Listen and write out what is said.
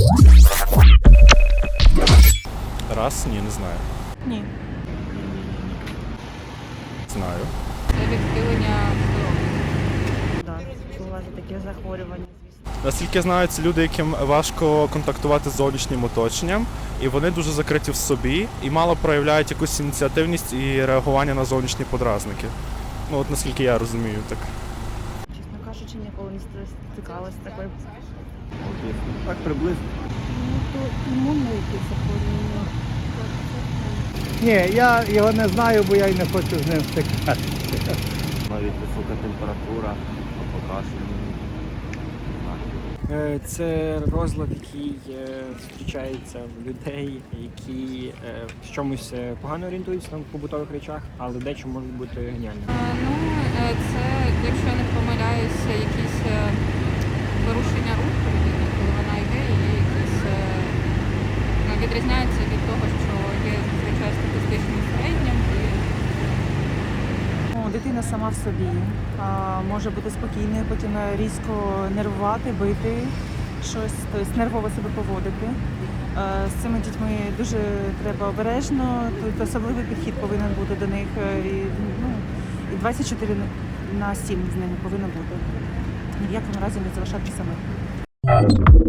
Раз? Ні, не знаю. Ні. Знаю. Це відхилення здоров'я. Так, бувають такі захворювання, звісно. Наскільки я знаю, це люди, яким важко контактувати з зовнішнім оточенням, і вони дуже закриті в собі і мало проявляють якусь ініціативність і реагування на зовнішні подразники. Ну от наскільки я розумію, так. Чесно кажучи, ніколи не стикалася з такою. Так приблизно. Ну, то імунне якесь захворювання. Ні, я його не знаю, бо я й не хочу з ним стикатися. Навіть висока температура, покашлювання. Це розлад, який зустрічається в людей, які в чомусь погано орієнтуються на побутових речах, але дещо можуть бути геніальними. Це, якщо я не помиляюся, якісь порушення руху людини, коли вона йде і є якісь відрізняється від того, що є зазвичай статистичним середнім. Дитина сама в собі може бути спокійною, потім різко нервувати, бити щось, тобто нервово себе поводити. З цими дітьми дуже треба обережно, тут особливий підхід повинен бути до них. І 24/7 з ними повинно бути. Ні в якому разі не залишати самих.